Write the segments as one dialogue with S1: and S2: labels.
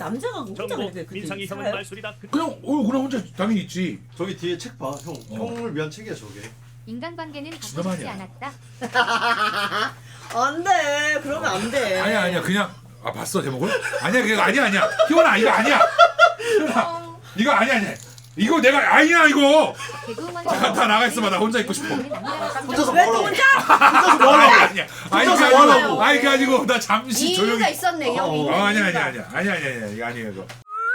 S1: 남자가 혼자 그렇게
S2: 민상이 형은
S1: 살아요?
S2: 말술이다.
S3: 그냥 그냥 혼자 당연히 있지.
S4: 저기 뒤에 책 봐. 형을 위한 책이야 저게.
S5: 인간관계는
S3: 진짜
S5: 바꾸지
S3: 많이야.
S5: 않았다.
S1: 안돼 그러면 안돼.
S3: 아니야 그냥 봤어 제목을? 아니야 그거 아니야 희원아 이거 아니야. 희원아 이거 아니야 이거 내가 아니야 이거.
S5: 개그우먼
S3: 다 나가 있어봐 나 혼자 있고 싶어.
S4: 혼자서
S1: 왜 또
S4: 뭐하라고?
S1: 혼자?
S4: 혼자서 뭐하라고?
S3: 아니야
S4: 혼자서 뭐하라고?
S3: 아니 그게 아니고 나 잠시 조용히.
S6: 이유가 있었네 형이.
S3: 아니야 이거 아니에요 이거.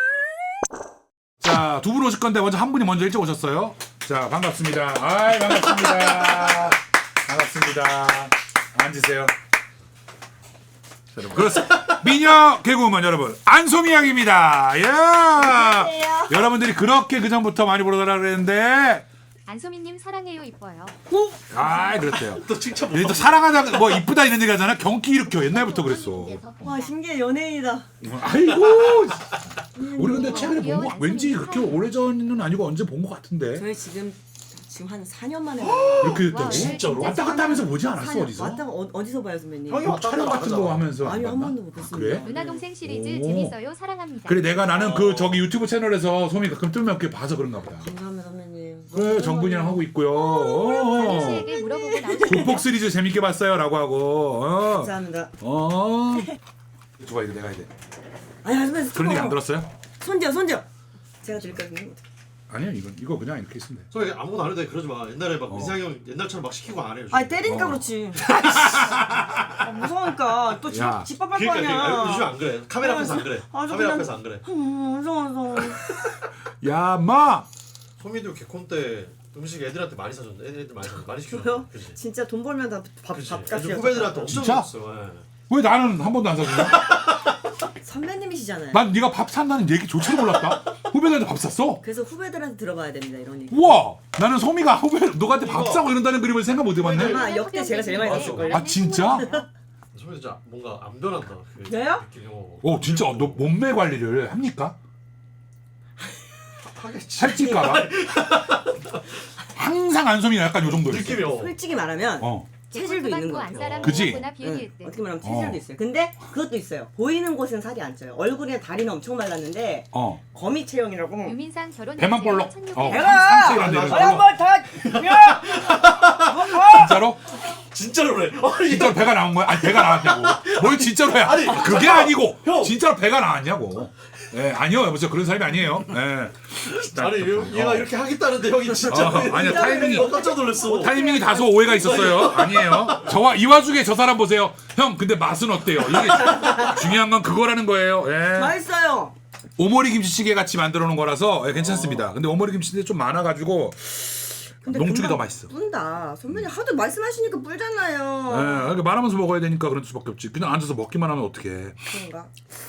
S3: 자, 두 분 오실 건데 먼저 한 분이 먼저 일찍 오셨어요. 자, 반갑습니다. 아이, 반갑습니다. 반갑습니다. 앉으세요. 자, 여러분, 그렇습니다. 미녀 개그우먼 여러분, 안소미 양입니다. 예. 여러분들이 그렇게 그 전부터 많이 보러달라 그랬는데,
S5: 안소민님 사랑해요 이뻐요.
S3: 아, 그랬대요.
S4: 또 칭찬 못
S3: 얘또 사랑하다, 뭐 이쁘다 이런 얘기 하잖아. 경기 일으켜 옛날부터 그랬어.
S1: 와 신기해 연예인이다.
S3: 아이고. 우리 근데 최근에 본 거 왠지 그렇게 오래전은 아니고 언제 본 거 같은데.
S1: 저희 지금 한 4년 만에
S3: 이렇게 됐다고?
S5: 와,
S4: 진짜로?
S3: 왔다 갔다 하면서 보지 않았어 어디서?
S1: 왔다 어디서 봐요 선배님?
S4: 형이
S3: 뭐 촬영 같은 거 하면서 안
S1: 아니요 한
S3: 봤나?
S1: 번도 못 봤습니다.
S3: 그래?
S5: 누나 동생 시리즈
S3: 오.
S5: 재밌어요 사랑합니다.
S3: 그래 내가 나는 그 저기 유튜브 채널에서 소미 가끔 뜨면 그렇게 봐서 그런가 보다.
S1: 감사합니다 선배님.
S3: 그래 정분이랑 하고 있고요.
S5: 다리 씨에게 물어보고 나오셨어요.
S3: 국복 시리즈 재밌게 봤어요라고 하고.
S1: 감사합니다.
S3: 좋아 이거 내가 해야 돼.
S1: 아니 선배님
S3: 그런 얘기 안 들었어요?
S1: 손지요. 제가 드릴까요?
S3: 아니야 이거 그냥 이렇게 있으면 돼.
S4: 저 아무것도 안 해도 돼. 그러지 마. 옛날에 막 민상이 형 옛날처럼 막 시키고 안 해요.
S1: 아니 때리니까 그렇지. 무서우니까 또
S3: 야.
S1: 집밥할 거
S4: 그러니까
S1: 아니야.
S4: 요즘 안 그래. 카메라 앞에서 안 그래.
S1: 아주
S4: 카메라
S1: 그냥-
S4: 앞에서 안 그래.
S1: 무서워.
S3: 야 마.
S4: 소미도 개콘 때 음식 애들한테 많이 사줬는데 애들 많이 사줬 많이 시켜줬어.
S1: 그래요?
S4: 그지.
S1: 진짜 돈 벌면 다
S4: 그지.
S1: 밥값이야.
S4: 애들 후배들한테 엄청
S3: 진짜?
S4: 줬어. 예.
S3: 왜 나는 한 번도 안 사주냐?
S1: 선배님이시잖아요.
S3: 난 네가 밥 산다는 얘기조차 몰랐다. 후배들한테 밥 샀어?
S1: 그래서 후배들한테 들어봐야 됩니다 이런 얘기.
S3: 우와 나는 소미가 후배 너한테 밥
S4: 이거-
S3: 사고 이런다는 그림을 생각 못 해봤네.
S1: 아마 역대 제가 제일 많이
S4: 맞아.
S1: 썼을걸요.
S3: 아 진짜?
S4: 소미 진짜 뭔가 안 변한다. 그
S1: 왜요?
S4: 느낌이.
S3: 오 진짜 너 몸매 관리를 합니까?
S4: 하겠지.
S3: 살찔까봐? 항상 안소미가 약간 요 정도였어.
S4: 느낌이
S1: 솔직히 말하면 체질도 있는 것 같아요.
S3: 그지?
S1: 네, 어떻게 말하면 체질도 있어요. 근데 그것도 있어요. 보이는 곳은 살이 안 쪄요. 얼굴이나 다리는 엄청 말랐는데 거미 체형이라고.
S5: 유민상 결혼
S3: 배만 볼록.
S1: 배가!
S3: 상체 이런 데
S4: 맞아.
S3: 볼록.
S1: 한번 다. 야!
S3: 진짜로?
S4: 진짜로 그래.
S3: 진짜로 배가 나온 거야? 아니 배가 나왔냐고. 뭘 진짜로야?
S4: 아니,
S3: 그게
S4: 잠깐만.
S3: 아니고
S4: 형.
S3: 진짜로 배가 나왔냐고. 예, 아니요 여보세요 그런 사람이 아니에요. 예.
S4: 아니 얘가 이렇게 하겠다는데 형이 진짜.
S3: 아니야 타이밍이
S4: 깜짝 놀랐어.
S3: 타이밍이 다소 오해가 있었어요. 아니에요. 저와 이 와중에 저 사람 보세요. 형 근데 맛은 어때요? 이게 중요한 건 그거라는 거예요. 예.
S1: 맛있어요.
S3: 오모리 김치찌개 같이 만들어 놓은 거라서 예, 괜찮습니다. 근데 오모리 김치찌개 좀 많아가지고
S1: 근데
S3: 농축이
S1: 금방
S3: 더 맛있어.
S1: 뿐다. 선배님 하도 말씀하시니까
S3: 예,
S1: 뿔잖아요.
S3: 이렇게 말하면서 먹어야 되니까 그럴 수밖에 없지. 그냥 앉아서 먹기만 하면 어떡해.
S1: 그런가?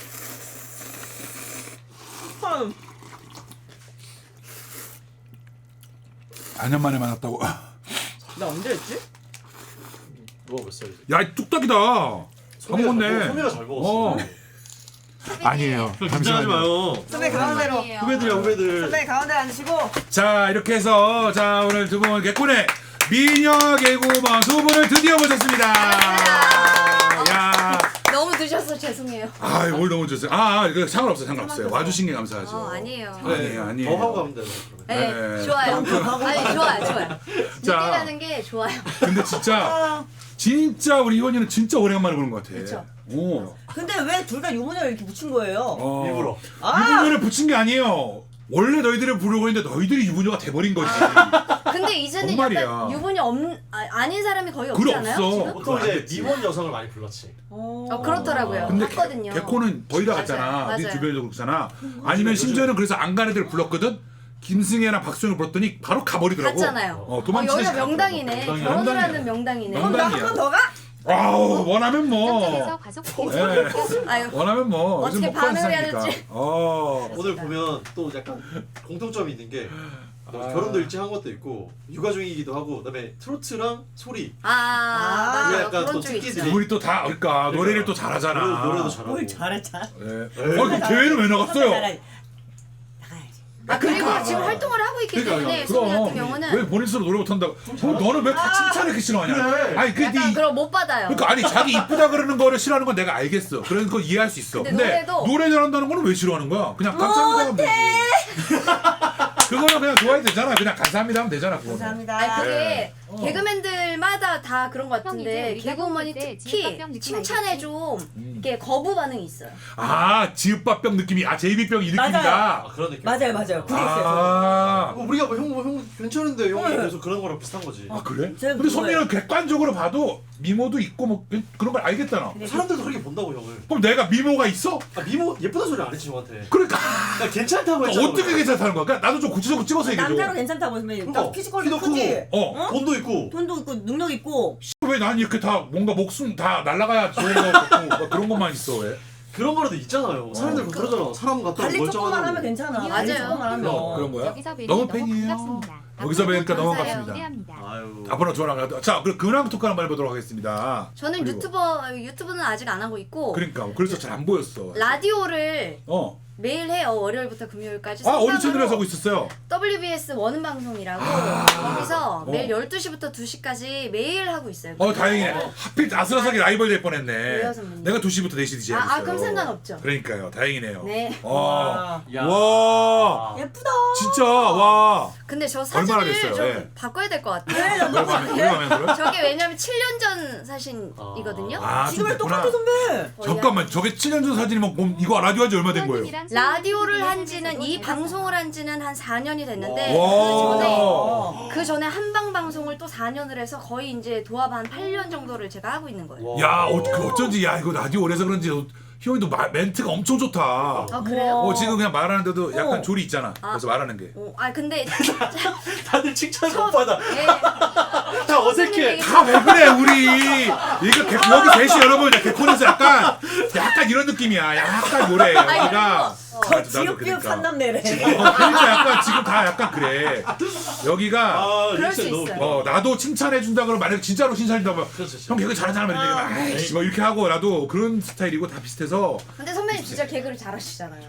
S3: 4년 만에 만났다고.
S1: 나 언제 했지?
S4: 누가 몇 살이지?
S3: 야, 이 뚝딱이다. 다 먹었네.
S4: 소미가 잘 먹었어.
S3: 아니에요.
S4: 긴장하지 마요.
S1: 선배 가운데로.
S4: 후배들이야 후배들.
S1: 선배 가운데 앉으시고.
S3: 자, 이렇게 해서 자 오늘 두 분 개콘의 미녀 개구먼 두 분을 드디어 모셨습니다. 야,
S6: 너무 드셔서 죄송해요.
S3: 아, 뭘 너무 좋으세요. 이거 상관없어요. 와주신 게 감사하죠.
S6: 아니에요.
S3: 아니에요.
S4: 더 하고 가면 되나?
S6: 네,
S3: 네.
S6: 좋아요. 아니 좋아요.
S3: 자.
S6: 늦게라는 게 좋아요.
S3: 근데 진짜 우리 희원이는 진짜 오래간만에 보는 것 같아.
S6: 그쵸.
S3: 오.
S1: 근데 왜 둘 다 유부녀를 이렇게 붙인 거예요?
S4: 일부러.
S3: 유부녀를 붙인 게 아니에요. 원래 너희들을 부르고 있는데 너희들이 유부녀가 돼버린 거지.
S6: 근데 이제는
S3: 정말이야.
S6: 약간 유부녀 아닌 사람이 거의
S3: 그래,
S6: 없잖아요.
S3: 없어.
S6: 지금?
S4: 보통 이제 미혼 여성을 많이 불렀지.
S6: 그렇더라고요.
S3: 근데
S6: 봤거든요.
S3: 개코는 거의 다 갔잖아.
S6: 맞아요.
S3: 네 주변에도 그렇잖아. 아니면 심지어는 그래서 안 간 애들 불렀거든. 김승혜나 박수영을 불렀더니 바로 가버리더라고.
S6: 갔잖아요.
S3: 도망치는
S6: 여기가 명당이네.
S4: 명당이야.
S6: 결혼을 하는 명당이네.
S3: 명당.
S1: 나 한 번 더 가?
S3: 아우 원하면
S5: 깜짝에서
S3: 뭐.
S5: 과속
S3: 예.
S6: 아유,
S3: 원하면 뭐.
S6: 어떻게
S3: 요즘
S6: 반응을 해야
S3: 먹고
S6: 될지.
S4: 오늘 보면 또 약간 공통점이 있는 게 결혼도 일찍 한 것도 있고 육아 중이기도 하고 그다음에 트로트랑 소리.
S6: 맞아요.
S4: 약간
S6: 그런
S4: 또
S6: 쪽
S4: 특기들이.
S6: 있죠.
S3: 우리 또 다 그러니까 노래를 또 잘하잖아.
S4: 노래도 잘하고.
S1: 뭘 잘했자.
S3: 예. 그 대회는 왜 나갔어요?
S1: 나가야지.
S6: 아 그리고
S3: 그러니까.
S6: 지금 활동을 하고 있기 때문에 소미 같은 경우는
S3: 왜 본인 스스로 노래 못한다고? 너는 왜 다 칭찬을 이렇게 싫어하냐?
S4: 그래.
S3: 아니 그
S6: 약간 그럼 못 받아요.
S3: 그러니까 아니 자기 이쁘다 그러는 거를 싫어하는 건 내가 알겠어. 그래서 그거 이해할 수 있어.
S6: 근데 노래도-
S3: 노래 잘한다는 거는 왜 싫어하는 거야? 그냥 감사합니다 하면 되지. 그거는 그냥 좋아해도 되잖아. 그냥 감사합니다 하면 되잖아. 그거는.
S1: 감사합니다.
S6: 아니 그게
S3: 네.
S6: 개그맨들마다 다 그런 것
S5: 형,
S6: 같은데
S5: 이제 우리가
S6: 개그우먼이
S5: 볼 때
S6: 특히
S5: 지읒밥병 느낌
S6: 칭찬에
S5: 알겠지?
S6: 좀 이렇게 거부 반응이 있어요.
S3: 아 지읒밥병 느낌이
S1: 맞아요.
S3: 제이비병 이 느낌이다.
S4: 그런 느낌.
S1: 맞아요. 그게 있어요.
S3: 아,
S4: 우리가 형 괜찮은데 형이 계속 그런 거랑 비슷한 거지.
S3: 아 그래?
S1: 쟤는
S3: 근데
S1: 그거예요.
S3: 선미는 객관적으로 봐도 미모도 있고 뭐 그런 걸 알겠잖아.
S4: 사람들도 그렇게 본다고 형을.
S3: 그럼 내가 미모가 있어?
S4: 아 미모 예쁘다 소리 안 했지 형한테.
S3: 그러니까
S4: 나 괜찮다고 했잖아.
S3: 어떻게 괜찮다는 거야? 그러니까 나도 좀 구체적으로 찍어서 얘기해줘.
S1: 남자로 괜찮다고 했으면
S4: 그러니까
S1: 나 피지컬도
S4: 키도
S1: 크지.
S4: 크고
S3: 어.
S4: 돈도 있고.
S1: 돈도 있고 능력 있고.
S3: 왜 난 이렇게 다 뭔가 목숨 다 날라가야 좋은 거 같고 막 그런 것만 있어 왜?
S4: 그런 거라도 있잖아요. 사람들 그러잖아. 사람 같다고
S1: 관리 조금만 하면
S4: 멀쩡하다고.
S1: 괜찮아.
S5: 맞아요.
S1: 관리 조금만 하면.
S3: 그런 거야?
S5: 여기서 뵈니
S3: 너무
S5: 너무
S3: 팬이에요.
S5: 반갑습니다.
S3: 여기서 뵈니까 너무
S6: 감사해요.
S3: 반갑습니다.
S5: 기대합니다.
S4: 아유.
S3: 앞으로 저랑 자 그럼 근황 토크 한번 해보도록 하겠습니다.
S6: 저는
S3: 그리고-
S6: 유튜브는 아직 안 하고 있고
S3: 그러니까 그래서 잘 안 보였어.
S6: 라디오를
S3: 어.
S6: 매일 해요. 월요일부터 금요일까지.
S3: 아 어디
S6: 생방으로
S3: 채널에서 하고 있었어요?
S6: WBS 원음 방송이라고 거기서 매일 12시부터 2시까지 매일 하고 있어요.
S3: 다행이네. 하필 아슬아슬하게 라이벌 될 뻔했네.
S6: 왜요, 선배님?
S3: 내가 2시부터 4시 DJ 하고 있어요.
S6: 그럼 상관없죠.
S3: 그러니까요. 다행이네요.
S6: 네.
S3: 와.
S4: 야.
S3: 와.
S1: 예쁘다.
S3: 진짜 와.
S6: 근데 저
S3: 얼마나
S6: 사진을
S3: 됐어요?
S6: 좀
S3: 예.
S6: 바꿔야 될 것 같아요.
S3: 얼마면
S6: 저게 왜냐면 7년 전 사진이거든요.
S3: 아, 좀
S1: 지금은
S3: 됐구나.
S1: 똑같아 선배.
S3: 잠깐만. 저게 7년 전 사진이면 그럼 이거 라디오 한 지 얼마 된 거예요?
S6: 라디오를 한 지는 이 방송을 한 지는 한 4년이 됐는데
S3: 와.
S6: 그 전에 한방 방송을 또 4년을 해서 거의 이제 도합 한 8년 정도를 제가 하고 있는 거예요.
S3: 야, 어쩐지 야, 이거 라디오 오래서 그런지 희원이도 멘트가 엄청 좋다.
S6: 아 그래요?
S3: 지금 그냥 말하는데도 약간 조리 있잖아. 그래서 말하는 게.
S6: 근데
S4: 다들 칭찬 못 받아.
S6: 예.
S4: 다 어색해.
S3: 다 왜 그래 우리 이거 여기 계시 여러분 개콘에서 약간 이런 느낌이야. 약간 뭐래 여기가.
S1: 저 지읒비읒 산남매래.
S3: 그러니까 약간 지금 다 약간 그래. 여기가
S4: 아,
S6: 그럴 수
S4: 리액션이 너무
S6: 있어요.
S4: 웃겨.
S3: 나도 칭찬해 준다 그러면 만약 진짜로 칭찬해준다 그러면
S4: 그렇죠.
S3: 형 개그 잘하는 사람 이렇게 막 아이씨 뭐 이렇게 하고 나도 그런 스타일이고 다 비슷해서
S6: 근데 선배님 진짜 개그를 잘하시잖아요.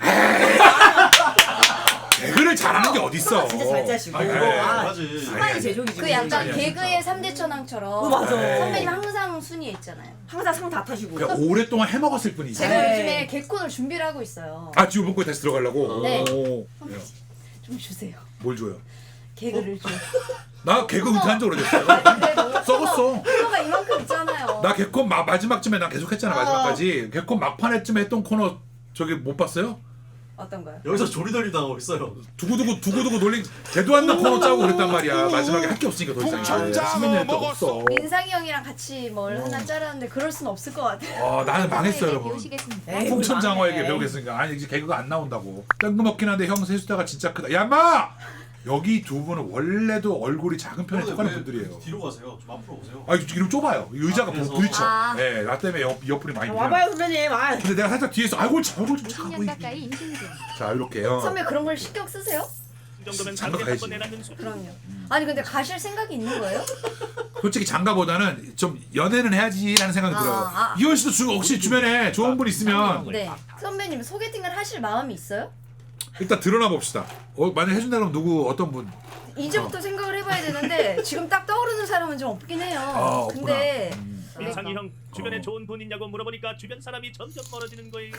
S3: 개그를 잘하는 게 어딨어.
S1: 진짜 잘 짜시고.
S3: 아니,
S4: 맞지.
S1: 수많이 제조기지.
S6: 그 약간
S3: 아니야,
S6: 개그의 3대 천왕처럼
S1: 맞아.
S6: 선배님 항상 순위에 있잖아요.
S1: 항상 상 다 타시고.
S3: 그냥 오랫동안 해먹었을 뿐이지.
S6: 제가
S1: 네.
S6: 요즘에 개콘을 준비를 하고 있어요.
S3: 지우 본거에 다시 들어가려고?
S6: 네.
S3: 오.
S6: 좀 주세요.
S3: 뭘 줘요?
S6: 개그를 좀.
S3: 나 개그 은퇴한 지 오래됐어요.
S6: 그래도
S3: 썩었어.
S6: 코너가 이만큼 있잖아요.
S3: 나 개콘 마지막쯤에 난 계속 했잖아 마지막까지. 개콘 막판에쯤에 했던 코너 저기 못 봤어요?
S6: 어떤 거요?
S4: 여기서 조리돌림 당하고 있어요.
S3: 두고두고 놀린 개도 안 나 코너 짜고 그랬단 말이야. 마지막에 할 게 없으니까 더 이상. 이제 10몇 년 했던 거 없어.
S6: 민상이 형이랑 같이 뭘 하나 짜라는데 그럴 순 없을 것 같아요.
S3: 나는 망했어요 여러분.
S5: 배우시겠습니다.
S1: 에이,
S3: 풍천장어에게
S1: 망해.
S3: 배우겠으니까. 아니 이제 개그가 안 나온다고. 뜬금없긴 한데 형 세수다가 진짜 크다. 야마! 여기 두 분은 원래도 얼굴이 작은 편에 속하는 분들이에요.
S4: 뒤로 가세요. 좀 앞으로 오세요.
S3: 이름 좁아요. 의자가
S4: 그래서?
S3: 부딪혀.
S6: 아.
S3: 네, 나 때문에 옆구리 많이 밀려.
S1: 와봐요 선배님.
S3: 근데 내가 살짝 뒤에서 얼굴 좀 작아
S5: 50년
S3: 보이게.
S5: 가까이 임신중.
S3: 자 이렇게요.
S6: 선배 그런 걸 신경 쓰세요?
S3: 장가 가야지.
S6: 그럼요. 아니 근데 가실 생각이 있는 거예요?
S3: 솔직히 장가보다는 좀 연애는 해야지라는 생각이 들어요. 이현 씨도 혹시 주변에 좋은 분 있으면
S6: 네. 선배님 소개팅을 하실 마음이 있어요?
S3: 일단 드러나 봅시다. 만약 해준다 그러면 누구 어떤 분?
S6: 이제부터 생각을 해봐야 되는데 지금 딱 떠오르는 사람은 좀 없긴 해요. 근데
S2: 민상이 형 주변에 좋은 분 있냐고 물어보니까 주변 사람이 점점 멀어지는 거예요.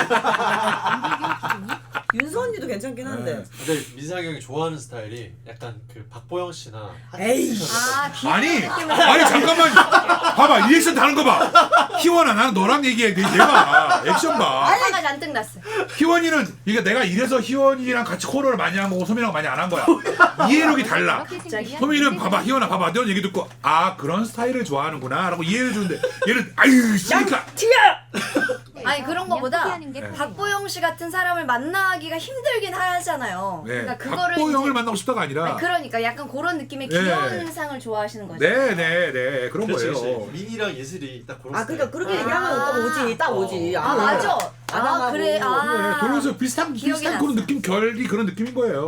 S1: 윤서 언니도 괜찮긴 한데.
S3: 네.
S4: 근데 민상이 형이 좋아하는 스타일이 약간 그 박보영 씨나
S1: 에이.
S3: 아니 잠깐만 봐봐 리액션 다른 거 봐. 희원아 나는 너랑 얘기해. 얘가 액션 봐.
S6: 화가 잔뜩 났어요.
S3: 희원이는 이게 내가 이래서 희원이랑 같이 코너를 많이 한 거고 소민이랑 많이 안 한 거야. 이해력이 달라. 소민이는 봐봐 희원아 봐봐 너 얘기 듣고 그런 스타일을 좋아하는구나 라고 이해를 주는데 얘는 아유 씨니까
S6: 아니 그런 거보다
S3: 네.
S6: 박보영 씨 같은 사람을 만나기가 힘들긴 하잖아요.
S3: 네.
S6: 그러니까 그거를
S3: 박보영을
S6: 이제-
S3: 만나고 싶다가 아니라
S6: 아니, 그러니까 약간 그런 느낌의
S3: 네.
S6: 귀여운 상을 좋아하시는 거죠.
S3: 네네네 그런
S4: 그렇지,
S3: 거예요.
S4: 그렇지. 민이랑 예슬이 딱 그런
S1: 그러니까 그렇게
S6: 아.
S1: 얘기하면 딱 오지. 딱 오지.
S6: 맞아.
S1: 아담하고.
S6: 그래.
S3: 네, 돌려서 비슷한
S6: 기억이
S3: 그런
S6: 났어.
S3: 느낌 결이 그런 느낌인 거예요.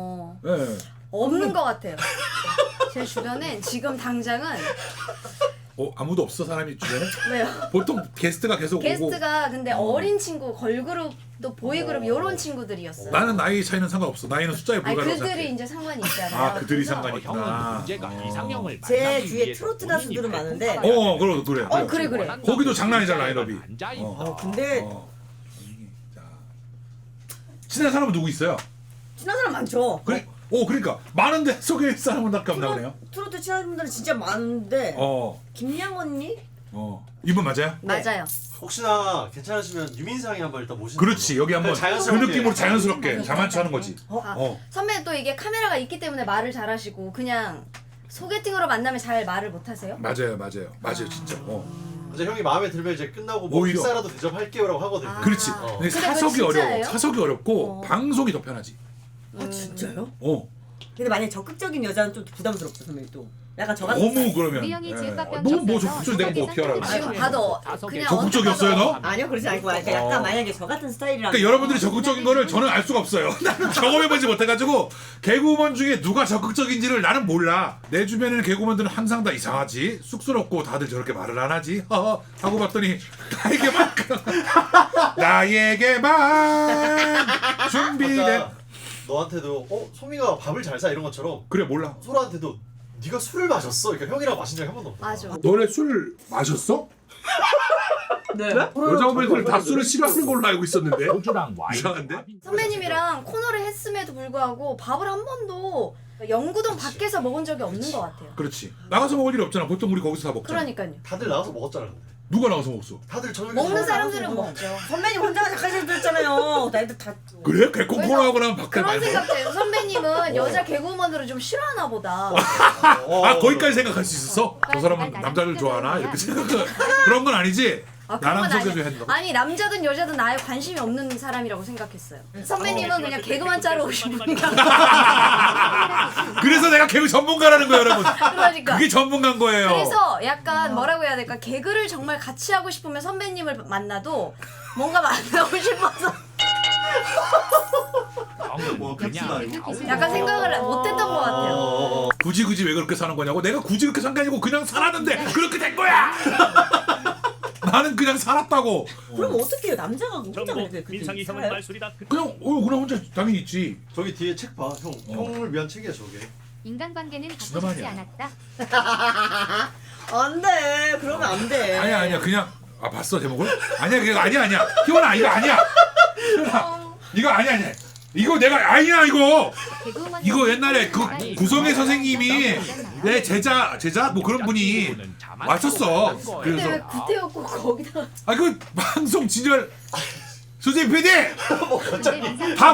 S3: 네.
S6: 없는 것 같아요. 제 주변엔 지금 당장은
S3: 아무도 없어 사람이 주변에?
S6: 왜요?
S3: 보통 게스트가 계속 오고.
S6: 게스트가 근데 어린 친구, 걸그룹 또 보이그룹 이런 친구들이었어요.
S3: 나는 나이 차이는 상관없어. 나이는 숫자에
S6: 아니
S3: 불과하다고
S6: 그들이
S3: 생각해.
S6: 이제 상관이 있잖아요.
S3: 아 그들이
S6: 그래서
S3: 상관이 있구나.
S7: 문제가 이상형을
S1: 제
S7: 만나기
S1: 주위에
S7: 위해서
S1: 트로트
S7: 본인이
S1: 가수들은 많은데
S3: 그래.
S6: 그래.
S3: 거기도 장난이잖아, 라인업이.
S1: 근데
S3: 자, 친한 사람은 누구 있어요?
S1: 친한 사람 많죠.
S3: 그래. 그러니까 많은데 소개할 사람은 밖에 안 나오네요.
S1: 트로트 친한 분들은 진짜 많은데 김양 언니?
S3: 이분 맞아요?
S1: 네.
S6: 맞아요.
S4: 혹시나 괜찮으시면 유민상이 한번 일단 모시는
S3: 그렇지. 여기 한번 그
S4: 자연스럽게.
S3: 느낌으로 자연스럽게 자만추 하는 거지.
S6: 선배는 또 이게 카메라가 있기 때문에 말을 잘하시고 그냥 소개팅으로 만나면 잘 말을 못하세요?
S3: 맞아요 진짜.
S4: 이제 형이 마음에 들면 이제 끝나고 뭐
S3: 오히려.
S4: 식사라도 대접할게요라고 하거든요.
S3: 그렇지.
S4: 어.
S3: 근데
S6: 근데
S3: 사석이
S6: 그거
S3: 어려워.
S6: 진짜예요?
S3: 사석이 어렵고 방송이 더 편하지.
S1: 아 진짜요?
S8: 근데 만약에 적극적인 여자는 좀 부담스럽죠 선배님 또. 약간 저 같은
S3: 너무
S8: 스타일.
S3: 그러면.
S5: 우리 형이 지읍밥병
S3: 너무 뭐
S5: 줬어서
S3: 적극적이 내가 뭐 어떻게 하라고.
S6: 지금 봐도 그냥
S3: 적극적이었어요 너?
S8: 아니요 그러지 않고 약간, 약간 만약에 저 같은 스타일이라면
S3: 그러니까 여러분들이 적극적인 거를 저는 알 수가 없어요. 나는 경험해보지 못해가지고 개그우먼 중에 누가 적극적인지를 나는 몰라. 내 주변에는 개그우먼들은 항상 다 이상하지, 쑥스럽고 다들 저렇게 말을 안 하지 하고 봤더니 나에게만 준비된.
S4: 아까 너한테도 소미가 밥을 잘 사 이런 것처럼
S3: 그래 몰라.
S4: 소라한테도 네가 술을 마셨어? 그러니까 형이랑 마신 적이 한 번도 없어.
S6: 맞아.
S3: 너네 술 마셨어?
S8: 네.
S3: 여자 후배들 다 술을 싫어하는 걸로 알고 있었는데.
S7: 소주랑 와인.
S3: 이상한데?
S6: 선배님이랑 코너를 했음에도 불구하고 밥을 한 번도 영구동 밖에서 먹은 적이 없는 것 같아요.
S3: 그렇지. 나가서 먹을 일이 없잖아. 보통 우리 거기서 다 먹잖아.
S6: 그러니까요.
S4: 다들 나가서 먹었잖아. 근데.
S3: 누가 나가서 먹었어?
S4: 다들 저녁에
S6: 먹는
S4: 술
S6: 사람들은
S4: 마셔서
S6: 먹죠.
S8: 선배님 혼자가 작가실 들었잖아요. 나희들 다
S3: 그래? 개콩콩하고 나면 밖에
S6: 그런
S3: 많이 먹어.
S6: 생각돼요. 선배님은 여자 개그우먼들을 좀 싫어하나 보다.
S3: 거기까지 생각할 수 있었어? 저 사람은 남자를 좋아하나? 이렇게 생각 그런 건 아니지? 나랑
S6: 그런 건
S3: 소개도
S6: 아니에요.
S3: 했는데.
S6: 아니 남자든 여자든 나에 관심이 없는 사람이라고 생각했어요. 선배님은 그냥 개그만 짜러 오신 분이라.
S3: 그래서 내가 개그 전문가라는 거예요, 여러분.
S6: 그러니까.
S3: 그게 전문가인 거예요.
S6: 그래서 약간 뭐라고 해야 될까? 개그를 정말 같이 하고 싶으면 선배님을 만나도 뭔가 만나고 싶어서 약간 생각을 못했던 것 같아요.
S3: 굳이 왜 그렇게 사는 거냐고? 내가 굳이 그렇게 산 게 아니고 그냥 살았는데 그렇게 된 거야. 나는 그냥 살았다고.
S8: 그럼 어떻게 해요? 남자가 혼자
S2: 정보
S8: 그렇게
S2: 민상이 형은
S8: 살아요?
S2: 말술이다.
S3: 그냥 혼자 당연히 있지.
S4: 저기 뒤에 책 봐. 형을 위한 책이야 저게.
S5: 인간관계는
S3: 진짜
S5: 갖고 싶지
S3: 많이야.
S5: 않았다.
S8: 안돼 그러면 안돼.
S3: 아니야 그냥 봤어 제목을? 아니야 그거 아니야. 희원아 이거 아니야. 희원아 이거 아니야. 이거 내가 아니야 이거.
S5: 개그우먼
S3: 이거 옛날에 그 구성애 선생님이 내 제자 뭐 그런 분이 왔었어.
S6: 근데 왜
S3: 그래서
S6: 구태였고 거기다
S3: 그 방송 진열 수진 PD
S5: 다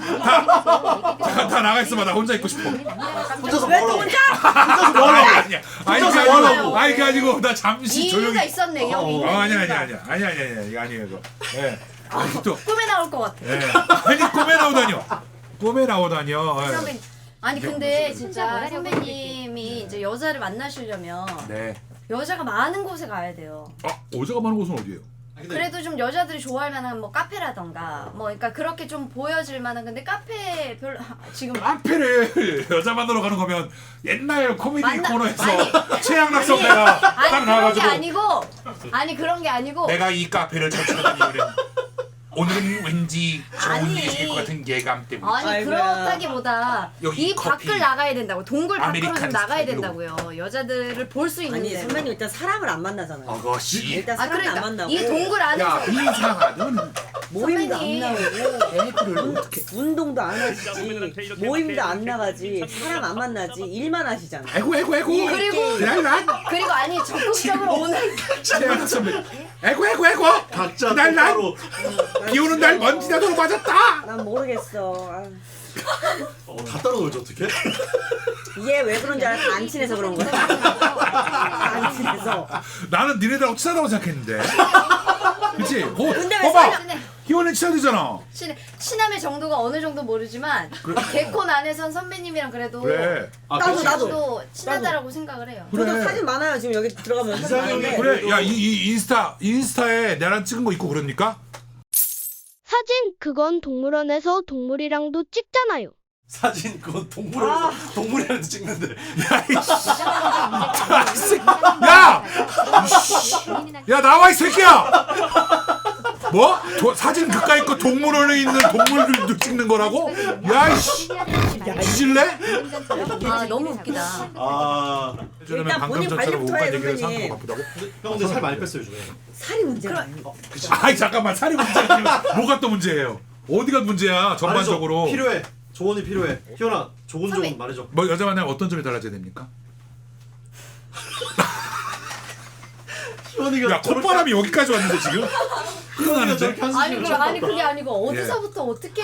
S3: 다 나가 있어봐. 나 혼자 있고 싶어.
S4: 혼자서 뭐 하라고?
S3: 아니야.
S4: 혼자서 뭐 하라고?
S3: 아니 그 아니고 나 잠시
S6: 이유가
S3: 조용히.
S6: 있었네. 형이.
S3: 아니야 이거 아니에요 이거. 예. 아니 또
S6: 꿈에 나올 것 같아.
S3: 예. 아니 꿈에 나오다니요. 예.
S6: 선배님. 아니 근데 진짜
S5: 뭐라고
S6: 선배님이 이제 여자를 만나시려면
S3: 네.
S6: 여자가 많은 곳에 가야 돼요.
S3: 어제가 많은 곳은 어디예요?
S6: 그래도 좀 여자들이 좋아할 만한 뭐 카페라던가 뭐 그러니까 그렇게 좀 보여질 만한 근데 카페 별로 지금
S3: 카페를 여자 만나러 가는 거면 옛날 코미디
S6: 만나-
S3: 코너에서
S6: 아니.
S3: 최양락 선배가 딱
S6: 그런 게
S3: 나와가지고
S6: 그런 게 아니고
S3: 내가 이 카페를 찾아다니 오늘은 왠지 좋은
S6: 아니.
S3: 일이 있을 것 같은 예감 때문에.
S6: 아니
S8: 아이고야.
S6: 그렇다기보다
S3: 여기
S6: 이
S3: 커피.
S6: 밖을 나가야 된다고 동굴 밖으로 좀
S3: 아메리칸
S6: 나가야
S3: 스타일로.
S6: 된다고요. 여자들을 볼 수 있는
S8: 아니
S6: 데
S8: 선배님 일단 사람을 안 만나잖아요.
S3: 아가씨.
S8: 일단
S6: 아
S8: 사람을 안
S6: 그러니까
S8: 만나고
S6: 이 동굴 안에서
S3: 야 이상하던
S8: 모임도 안
S6: 선배님.
S8: 나오고
S3: 애들을
S8: 운동도 안
S2: 진짜
S8: 하시지
S2: 후배들한테 이렇게
S8: 모임도 안
S2: 이렇게
S8: 나가지
S2: 이렇게
S8: 사람 안 만나지 일만 하시잖아.
S3: 아이고
S6: 그리고 그리고 아니 적극적으로 오는
S3: 최양락 선배 아이고
S4: 각자
S3: 날
S4: 따로
S3: 비 오는 날 먼지 나도록 맞았다.
S8: 난 모르겠어. 아,
S4: 다 따로 놀지 어떻게?
S8: 이게 왜 그런지 알아? 다 안 친해서 그런 거야. 안 친해서.
S3: 나는 니네들하고 친하다고 생각했는데. 그치?
S8: 근데 왜
S3: 봐봐.
S6: 친해?
S3: 희원이 친하대잖아.
S6: 친함의 정도가 어느 정도 모르지만 개콘 안에선 선배님이랑 그래도
S3: 그래.
S8: 나도.
S6: 친하다라고 생각을 해요.
S3: 그래.
S8: 저도 사진 많아요 지금 여기 들어가면 사진
S4: 이상형이
S8: 많은데.
S3: 그래. 야, 이 인스타에 나랑 찍은 거 있고 그럽니까?
S9: 사진 그건 동물원에서 동물이랑도 찍잖아요.
S4: 사진 그건 동물이라도 찍는데.
S3: 야 나와 이 새끼야. 뭐? 사진 그까이 거 동물원에 있는 동물들 찍는 거라고? 야이씨. 뒤질래?
S6: 아 너무 웃기다.
S4: 아,
S1: 일단 본인 관리부터 해, 선배님.
S3: 바쁘다고?
S4: 형 근데 살 많이 뺐어요 요즘에.
S1: 살이 문제가 아니고.
S3: 아이 잠깐만 살이 문제가 아니라 뭐가 또 문제예요? 어디가 문제야 전반적으로?
S4: 아니죠. 필요해. 조언이 필요해. 희연아,
S6: 선배.
S4: 조곤 말해줘.
S3: 뭐 여자 만나면 어떤 점이 달라져야 됩니까?
S4: 희연이가
S3: 야 콧바람이 여기까지 왔는데 지금?
S4: 희연이가
S3: 흥하는데?
S4: 저렇게 한숨
S6: 아니 그 아니 그게 아니고 어디서부터 어떻게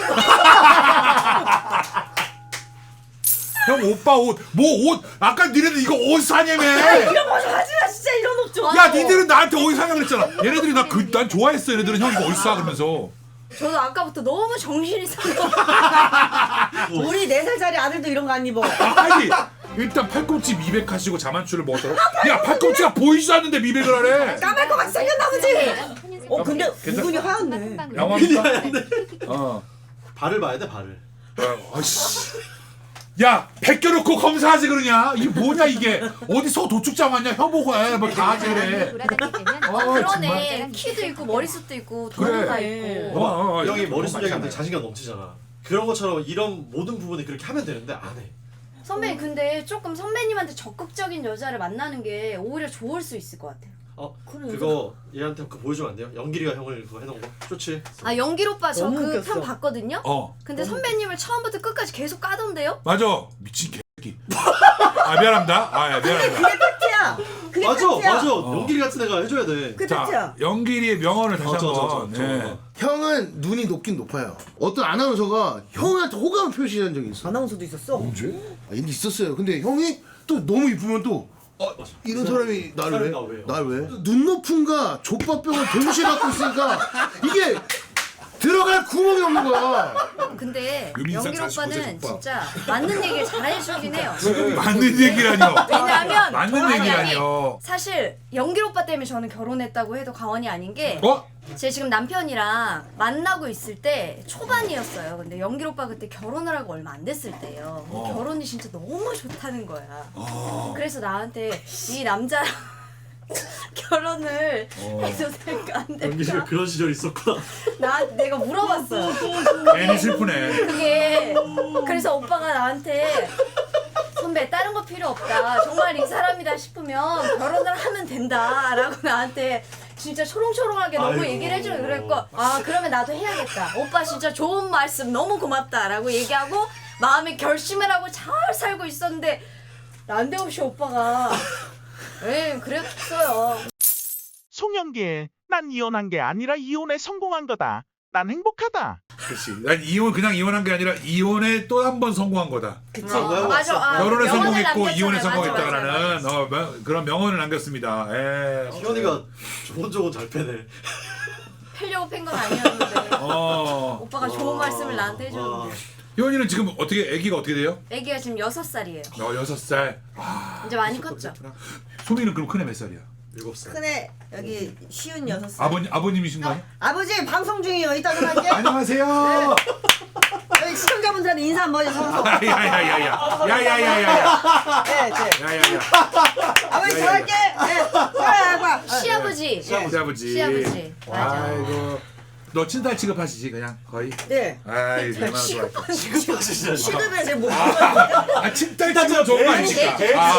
S3: 형 오빠 옷 아까 니네들 이거 옷 사냐며.
S1: 이런 거 하지마 진짜 이런 옷 좀.
S3: 야 니들은 나한테 어디 사냐고 그랬잖아. 얘네들이 난 좋아했어. 얘네들은 형 이거 어디 사 그러면서.
S6: 저도 아까부터 너무 정신이 상해.
S1: 우리 4살짜리 아들도 이런 거 안 입어.
S3: 아니 일단 팔꿈치 미백 하시고 자만추를 먹었다고? 야 팔꿈치가 보이지도 않는데 미백을 하래.
S1: 까말 것 같이 생겼나 보지. 근데 우근이 하얗네.
S3: 양호합니까?
S4: 발을 봐야 돼 발을.
S3: 아이씨. 야 벗겨놓고 검사하지 그러냐? 이게 뭐냐 이게? 어디서 도축장 왔냐? 혀보고 뭐다 하지 그래.
S6: 그러네. 키도 있고 머리숱도 있고 돈도 다 있고.
S4: 형이 머릿속에 근데 자신감 넘치잖아. 그런 것처럼 이런 모든 부분에 그렇게 하면 되는데 안 해.
S6: 선배님 근데 조금 선배님한테 적극적인 여자를 만나는 게 오히려 좋을 수 있을 것 같아요.
S4: 그거 얘한테 그거 보여주면 안 돼요? 연기리가 형을 그거 해놓은 거? 좋지.
S6: 아 연길 오빠 저
S1: 너무
S6: 그
S1: 웃겼어.
S6: 편 봤거든요. 근데 선배님을 처음부터 끝까지 계속 까던데요?
S3: 맞아 미친 개새끼. 아 미안합니다. 미안합니다.
S1: 그게 팩트야. 그게
S4: 맞아
S1: 팩트야.
S4: 맞아. 연기리 같은 애가 해줘야 돼.
S1: 그게
S3: 자
S1: 팩트야.
S3: 연길이의 명언을 다시 한번. 네.
S7: 형은 눈이 높긴 높아요. 어떤 아나운서가 형한테 호감을 표시한 적이 있어.
S1: 아나운서도 있었어.
S7: 언제? 있었어요. 근데 형이 또 너무 이쁘면 또 이런 사람이 나를
S4: 나
S7: 왜?
S4: 왜요?
S7: 날 왜? 눈높음과 족밥병을 동시에 갖고 있으니까 이게 들어갈 구멍이 없는 거야.
S6: 근데
S3: 유민상
S6: 연길
S3: 45세
S6: 오빠는
S3: 족밥.
S6: 진짜 맞는 얘기를 잘 해주긴 해요.
S3: 맞는 얘기라뇨.
S6: 왜냐하면
S3: 맞는
S6: 아니,
S3: 얘기라뇨.
S6: 사실 연길 오빠 때문에 저는 결혼했다고 해도 과언이 아닌 게 제 지금 남편이랑 만나고 있을 때 초반이었어요. 근데 연길 오빠 그때 결혼을 하고 얼마 안 됐을 때예요. 결혼이 진짜 너무 좋다는 거야. 그래서 나한테 이 남자랑 결혼을 해도 될까 안
S4: 연기리가
S6: 될까?
S4: 그런 시절 있었구나.
S6: 내가 물어봤어.
S3: 괜히 슬프네.
S6: 그게 그래서 오빠가 나한테 선배 다른 거 필요 없다. 정말 이 사람이다 싶으면 결혼을 하면 된다라고 나한테 진짜 초롱초롱하게 너무
S4: 아이고.
S6: 얘기를 해주고 그랬고 그러면 나도 해야겠다. 오빠 진짜 좋은 말씀 너무 고맙다라고 얘기하고 마음에 결심을 하고 잘 살고 있었는데 난데없이 오빠가 그랬어요.
S9: 송영길, 난 이혼한 게 아니라 이혼에 성공한 거다. 난 행복하다.
S3: 그렇지. 난 그냥 이혼한 게 아니라 이혼에 또 한 번 성공한 거다.
S6: 맞아.
S3: 결혼에
S6: 명언을
S3: 성공했고
S6: 남겼잖아요.
S3: 이혼에
S6: 맞아,
S3: 성공했다라는 그런 명언을 남겼습니다.
S4: 희연이가 조곤조곤 잘 패네.
S6: 펴려고 팬 건 아니었는데 오빠가 좋은 말씀을 나한테 해줬는데
S3: 희원이는 지금 아기가 어떻게 돼요?
S6: 애기가 지금 6살이에요.
S3: 6살.
S6: 이제 많이 컸죠.
S3: 소민이는 그럼 큰애 몇 살이야?
S4: 7살.
S1: 큰애 여기 쉬운 6살.
S3: 아버님이신가요?
S1: 아버지 방송 중이에요. 이따 전화할게.
S3: 안녕하세요.
S1: 여기 시청자분들한테 인사 한번 해서.
S3: 야야야야야.
S1: 네.
S3: 야야야.
S1: 아버지 전화할게. 네.
S6: 시아버지.
S3: 시아버지.
S6: 맞아.
S3: 아이고. 너 친딸 취급하시지 그냥 거의?
S1: 네.
S3: 아이 얼마나 좋아.
S4: 지급하시잖아.
S1: 시급에 제뭐
S3: 친딸 취급 좋은 거 아니실까?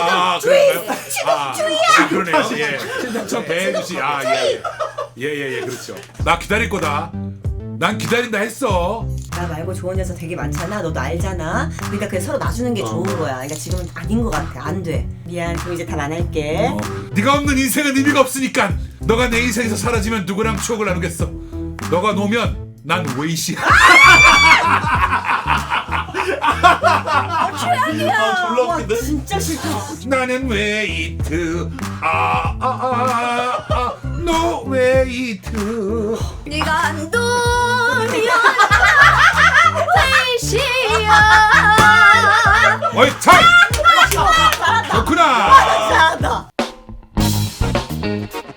S3: 그러네요. 그러네요. 예. 친딸처럼 대해주시. 예. 그렇죠. 나 기다릴 거다. 난 기다린다 했어.
S1: 나 말고 좋은 여자 되게 많잖아. 너도 알잖아. 그러니까 그냥 서로 놔주는 게 좋은 거야. 그러니까 지금은 아닌 것 같아. 안 돼. 미안. 그럼 이제 답 안 할게.
S3: 네가 없는 인생은 의미가 없으니까 너가 내 인생에서 사라지면 누구랑 추억을 나누겠어. 너가 놓으면 난 웨이시야.
S6: 최악이야.
S4: 졸라 웃긴데?
S1: 진짜 싫다.
S3: 나는 웨이트. 너 웨이트.
S6: 네가 안 두면 웨이시야.
S3: 어이 참. 그렇구나.
S1: 잘한다.